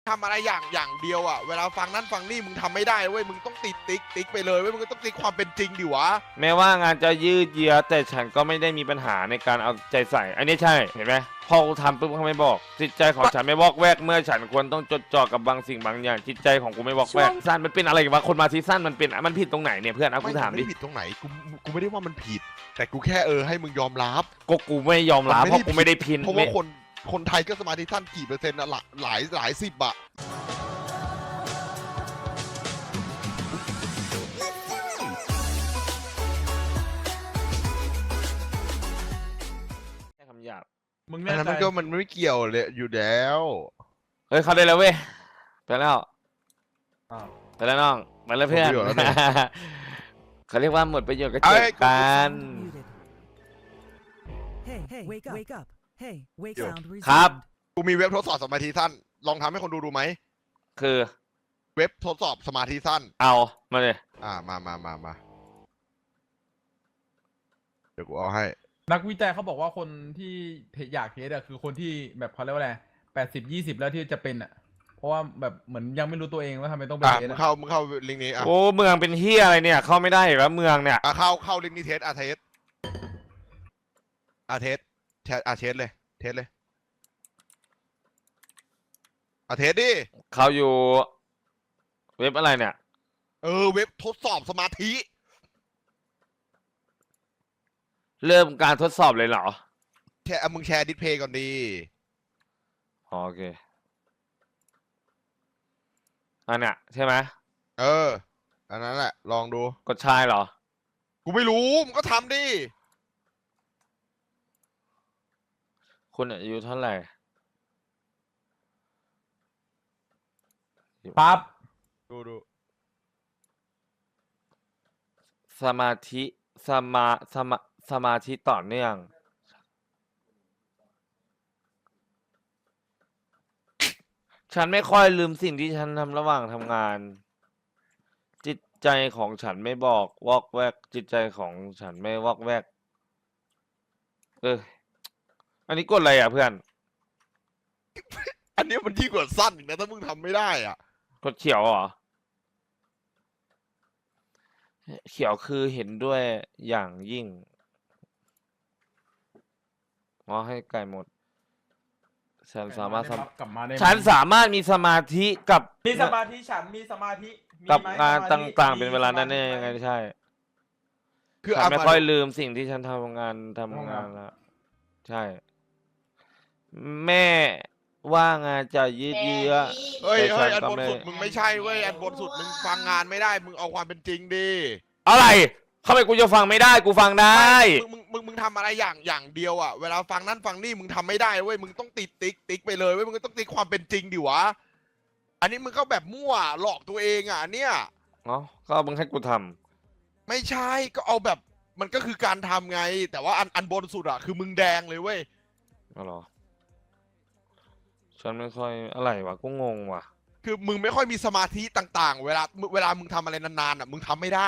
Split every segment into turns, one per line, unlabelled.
ทำอะไรอย่างเดียวอ่ะเวลาฟังนั่นฟังนี่มึงทำไม่ได้เว้ยมึงต้องติดติ๊กไปเลยเว้ยมึงก็ต้องติ๊กความเป็นจริงดิวะ
แม้ว่างานจะยืดเยื้อแต่ฉันก็ไม่ได้มีปัญหาในการเอาใจใส่อันนี้ใช่เห็นไหมพอกูทำปุ๊บเขาไม่บอกจิตใจของฉันไม่วอกแวกเมื่อฉันควรต้องจดจ่อกับบางสิ่งบางอย่างจิตใจของกูไม่วอกแวกสั้นมันเป็นอะไรวะคนมาที่สั้นมันผิดตรงไหนเนี่ยเพื่อนเอากูถามดิ
ไม่ผิดตรงไหนกูไม่ได้ว่ามันผิดแต่กูแค่ให้มึงยอมรับ
กูไม่ยอมรับเพราะกูไม่ได้พิน
เพราะว่าคนไทยก็สมาธิสั้นกี่เปอร์เซ็นต์อะหลายสิบอะ
แค่คำหยาบ
มึง
อั
แน่
นนั้น
ใจ
มันไม่เกี่ยวเลยอยู่แล้ว
เฮ้ยเขาได้แล้วเว้ยไปแล้ว
อ้าว
ไปแล้วน้องไปแล้วเพื่อน
หมดประโยชน์แล้วเนี่ย
เขาเรียกว่าหมดประโยชน์ก็
เอ้
เจ
ย
อกัน
Hey, wake up. Hey, wake
Yo.
sound
ครับ
resumed.
กูมีเว็บทดสอบสมาธิสั้นลองทำให้คนดูไหม
คือ
เว็บทดสอบสมาธิสั้น
เอามาเลย
มาเดี๋ยวกูเอาให้
นักวิจัยเขาบอกว่าคนที่อยากเทสอะคือคนที่แบบเขาเรียกว่าอะไร80-20แล้วที่จะเป็นอะเพราะว่าแบบเหมือนยังไม่รู้ตัวเองว่าทำไมต้องไปเทส
มึง
อะ
เข้าลิงก์นี้อ่ะ
โอ้เมืองเป็นเฮียอะไรเนี่ยเข้าไม่ได้อีกแล้วเมืองเนี่ย
เข้าลิงก์นี้เทสเทสเทสเทสเลยเทสดิ
เขาอยู่เว็บอะไรเนี่ย
เว็บทดสอบสมาธิ
เริ่มการทดสอบเลยเหรอ
มึงแชร์ดิสเพย์ก่อนดี
อ๋อโอเคอันเนี้ยใช่ไหม
อันนั้นแหละลองดู
กดชายเหรอ
กูไม่รู้มึงก็ทำดิ
คุณอายุเท่าไหร่
ปั๊บ
ดู
สมาธิสมาธิต่อเนื่อง ฉันไม่ค่อยลืมสิ่งที่ฉันทำระหว่างทำงาน จิตใจของฉันไม่บอกวอกแวก จิตใจของฉันไม่วอกแวก อันนี้กดอะไรอ่ะเพื่อน
อันนี้มันยิ่งกว่าสั้นอีกนะถ้ามึงทำไม่ได้อ่ะ
กดเขียวเหรอ เขียวคือเห็นด้วยอย่างยิ่งอ๋อให้ไก่หมด ฉันสามารถ
กลับมาได้ไหม
ฉันสามารถมีสมาธิกับ
มีสมาธิฉันมีสมาธิมี
กับ
ไหม
งาน
สมธิ
ต่างๆ เป็นเวลานั้น
มี
เอ
ส
ง
มาธิ
ใช่
คือ
ฉันไม่
มา
ค่อยลืมสิ่งที่ฉันทำงานแล้วใช่ แม่ว่างานจะยืดเยื้อ แต่ฉัน
อัน
ก็
บน
ไม่
สุดมึงไม่ใช่เว้ยอันบนสุดมึงฟังงานไม่ได้มึงเอาความเป็นจริงดิ
อะไรทำไมกูจะฟังไม่ได้กูฟังได้
มึงทำอะไรอย่างเดียวอ่ะเวลาฟังนั่นฟังนี่มึงทำไม่ได้เว้ยมึงต้องติดติ๊กไปเลยเว้ยมึงก็ต้องติ๊กความเป็นจริงดิวะอันนี้มึงก็แบบมั่วหลอกตัวเองอ่ะเนี่ย
เนาะก็มึงให้กูท
ไม่ใช่ก็เอาแบบมันก็คือการทำไง แต่ว่าอันบนสุดอ่ะคือมึงแดงเลยเว้ย
ำอ๋อเหรอ ฉันไม่ค่อยอะไรวะกูงงว่ะ
คือมึงไม่ค่อยมีสมาธิต่างๆ เวลามึงทำอะไรนานๆอ่ะมึงทำไม่ได้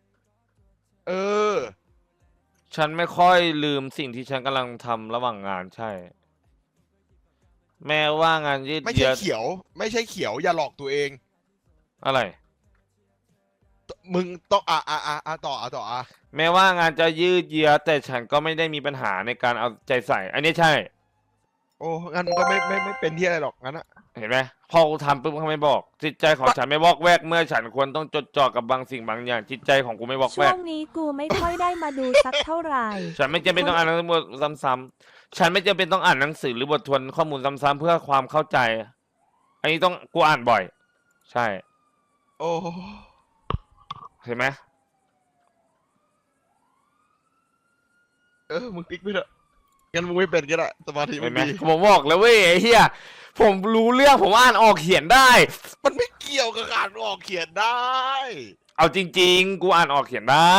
ฉันไม่ค่อยลืมสิ่งที่ฉันกำลังทำระหว่างงานใช่ แม้ว่างานยืด
ไม่
เยื้
ใช่
อ
เขียว ไม่ใช่เขียวอย่าหลอกตัวเอง
อะไร
มึงต้องต่อ
แม้ว่างานจะยืดเยื้อแต่ฉันก็ไม่ได้มีปัญหาในการเอาใจใส่ อันนี้ใช่
โอ้งั้นมึงก็ไม่เป็นที่อะไรหรอกงั้นอะ
เห็นไหมพอกูทำปุ๊บเขาไม่บอก จิตใจของฉันไม่วอกแวกเมื่อฉันควรต้องจดจ่อกับบางสิ่งบางอย่าง จิตใจของกูไม่วอก
ช่
แว
ว
ก
งนี้กูไม่ค่อยได้มาดูสักเท่าไหร่
ฉันไม่จำเป็นต้องอ่านหนังสือบทซ้ำๆฉันไม่จำเป็นต้องอ่านหนังสือหรือบททวนข้อมูลซ้ำๆเพื่อความเข้าใจ อันนี้ต้องกูอ่านบ่อย ใช่
โอ้
เห็นไหม
มึงติ๊กไปเถอะงั้นมึงไม่เป็นก็ได้สมาธิมั
เห็น
น
ไหม
ดี
ผมบอกแล้วเว้ยไอ้เหี้ยผมรู้เรื่องผมอ่านออกเขียนได้
มันไม่เกี่ยวกับการออกเขียนได้
เอาจริงๆ กูอ่านออกเขียนได้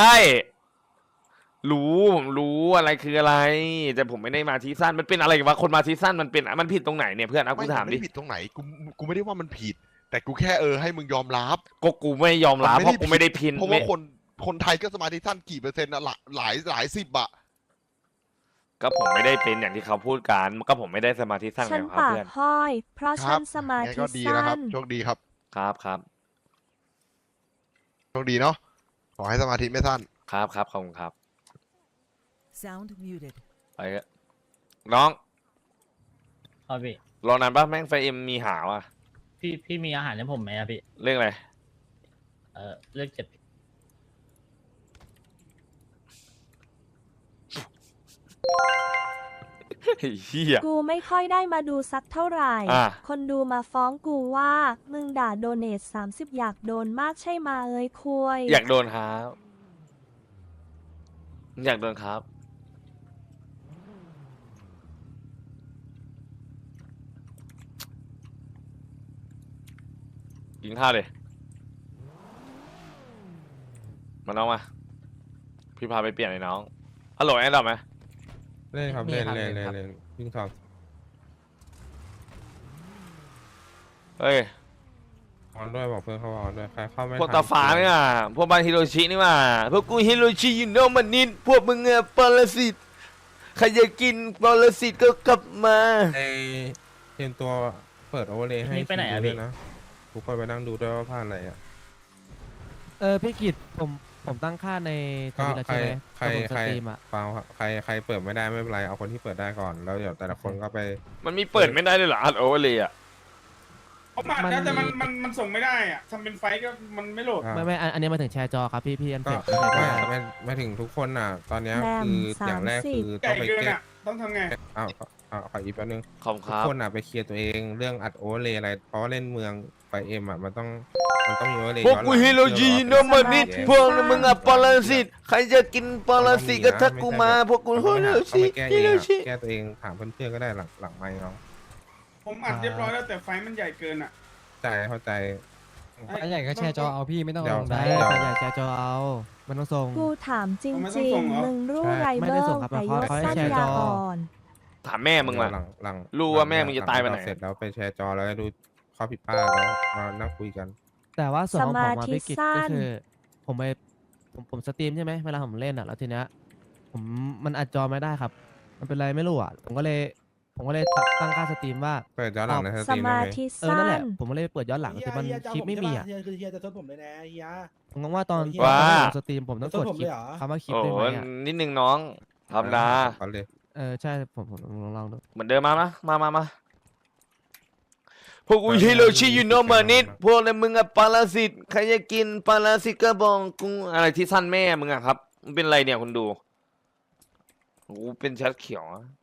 ผมรู้อะไรคืออะไร แต่ผมไม่ได้มาทีสั้นมันเป็นอะไรวะคนมาทีสั้นมันผิดตรงไหนเนี่ยเพื่อนเอากูถามดิ
ไม่ผิดตรงไหนกูไม่ได้ว่ามันผิด แต่กูแค่ให้มึงยอมรับ
กูไม่ยอมรับเพราะกูไม่ได้พิน
เพราะว่าคนไทยก็สมาธิสั้นกี่เปอร์เซ็นต์อะหลายสิบอะ
ก็ผมไม่ได้เป็นอย่างที่เขาพูดกันก็ผมไม่ได้สมาธิสั้น
ฉั
ไง
น
ครับ
ปาก
เพื่อน
ห้อย เพราะ
ค
ฉั
รั
นสมา
งั้น
ธิ
ก็ดีนะครั
สั้
บ
น
โชคดีครับ
ครับ
โชคดีเนาะขอให้สมาธิไม่สั้น
ครับขอบคุณครับ
Sound muted.
ไปเถอะน้อง
ครับพี่
รอนานป่ะแม่งไฟเอ็มมีหาว่ะ
พี่มีอาหารให้ผมไหมอะพี่
เรื่องอะไร
เลือก7
ไอ้เหี้ย
กูไม่ค่อยได้มาดูสักเท่าไหร่
อ่ะ
คนดูมาฟ้องกูว่า มึงด่าโดเนท30 อยากโดนมากใช่มาเอ้ยคุย
อยากโดนครับอยากโดนครับ กินข้าวเลยมาน้องมา พี่พาไปเปลี่ยนเลยน้องฮัลโหลแอนดรอปไหม
เล่นครับ
มี
เล่น
ครับ
เล่น
เล่
เล่
น
น
ครับ
เล่นวิ่งสอบ
เฮ้ย
ออนด้วยบอกเพื่อนเขาออนด้วยใครเข้าไม่
พวก
ทัน
ตาฟ้าเนี่ยพวกบ้านฮิโรชินี่มาพวกกูฮิโรชิยูโนมันนิดพวกมึงอะปรสิตใครจะกินปรสิตก็กลับมา
ไอเตรียมตัวเปิดโอเวอร์เลยให้
นี่ไปไหนอะ
คิว
พี่
ด้วยนะทุกคนไปนั่งดูด้วยว่าผ่านอะไรอ่ะ
พี่กิตผมตั้งค่าในท
ก็
วิตแล้ว
ใคร
ใช่ไหม
ใคร
ตอนผมส
ใคร
ตรีมอ่ะ
เปล่าครับใครเปิดไม่ได้ไม่เป็นไรเอาคนที่เปิดได้ก่อนแล้วเดี๋ยวแต่ละคนก็ไป
มันมีเปิดไม่ได้เลยเหรออัดโอเวอร์เลยอะ
เขามาแล้วแต่มันส่งไม่ได้อ่ะทำเป็นไฟล์ก็มันไม่โหลด
อ่า
ไม่อันนี้มาถึงแชร์จอครับพี่อัน
ก็
เสร็จ
ไม่ถึงทุกคนน่ะ ตอนเนี้ย
แบม
คืออย่างแรก
30
คือ
ให
ต้อ
ญ่
งไป
เกิน
แก้
อ่ะ ต้องทำไง
อ้าวขออีกแป๊บนึง
ขอบคุณค
ทุก
รับ
คนอ่ะไปเคลียร์ตัวเองเรื่องอัดโอเวอร์เลยอะไรเพราะว่าเล่นเมืองไฟเอ็มอ่ะมันต้องมีโอเวอร์เลย
พวกกูฮิโรชิยูโนมันนิดพวกมึงอะปรสิตใครจะกินปรสิตก็ทักกูมาพวกกูฮิโรชิ
แก้
ฮิ
เอ
โรง
อะ
ชิ
แก้ตัวเองถามเพื่อนๆก็ได้หลังไมค์เนาะ
ผมอัดเรียบร้อยแล้วแต่ไฟล์มันใหญ่เกินอ่ะ
เข้าใจ
ใหญ่ก็แชร์จอเอาพี่
เดี๋ยว
ได้แต่อย่าแชร์จอเอามันต้องส่ง
กูถามจ
เอาไม่ต้
ริ
อง
ง
ส่งเหรอ
ๆ มึงรู้
ใช่
ไร
ไม่
เบิ
ได้
ร์
ส่งครับ
แต่ยศ
เขาให้
สั้น
แชร์จ
ยา
อ
อ่อน
ถามแม่มึง
เดี๋
อะ
ยวหลัง
รู้ว่าแม่มึงจะตายไปไหน
เสร็จแล้วไปแชร์จอแล้วดูข้อผิดพลาดแล้วมานั่งคุยกัน
แต่ว่าส่วนของผม
สมา
มา
ธิ
พี่กิต
สั้
ก็
น
คือผมสตรีมใช่ไหมเวลาผมเล่นอ่ะแล้วทีเนี้ยมันอัดจอไม่ได้ครับ มันเป็นไรไม่รู้อ่ะผมก็เลยตั้งค่าสตรีมว่า
เปิดย้อนหลังในส
ส
ตรีมได้
มา
ไหม
ธิ
นั่
สั้
นแห
น
ละผมก็เลยเปิดย้อนหลังแต่มันคลิปไม่มีอ่ะ
เฮียคือเฮียจะทดผมเลยนะเฮีย
ผมงงว่าตอน
ว่า
ผมสตรีมผมต้องกด
ผม
คลิ
เล
ป
ยเหรอ
คำว่าคลิป
โอ้
ได้ไหมอ่ะ
นิดนึงน้องธรรมดา
ก่อนเลย
ใช่ผมลองดู
เหมือนเดิมมาพวกกูฮิโรชิยูโนมันนิดพวกมึงอะปรสิตใครจะกินปรสิตก็บอกกูอะไรที่สั้นแม่มึงอะครับมันเป็นไรเนี่ยคุณดูกูเป็นแชทเขียวอะ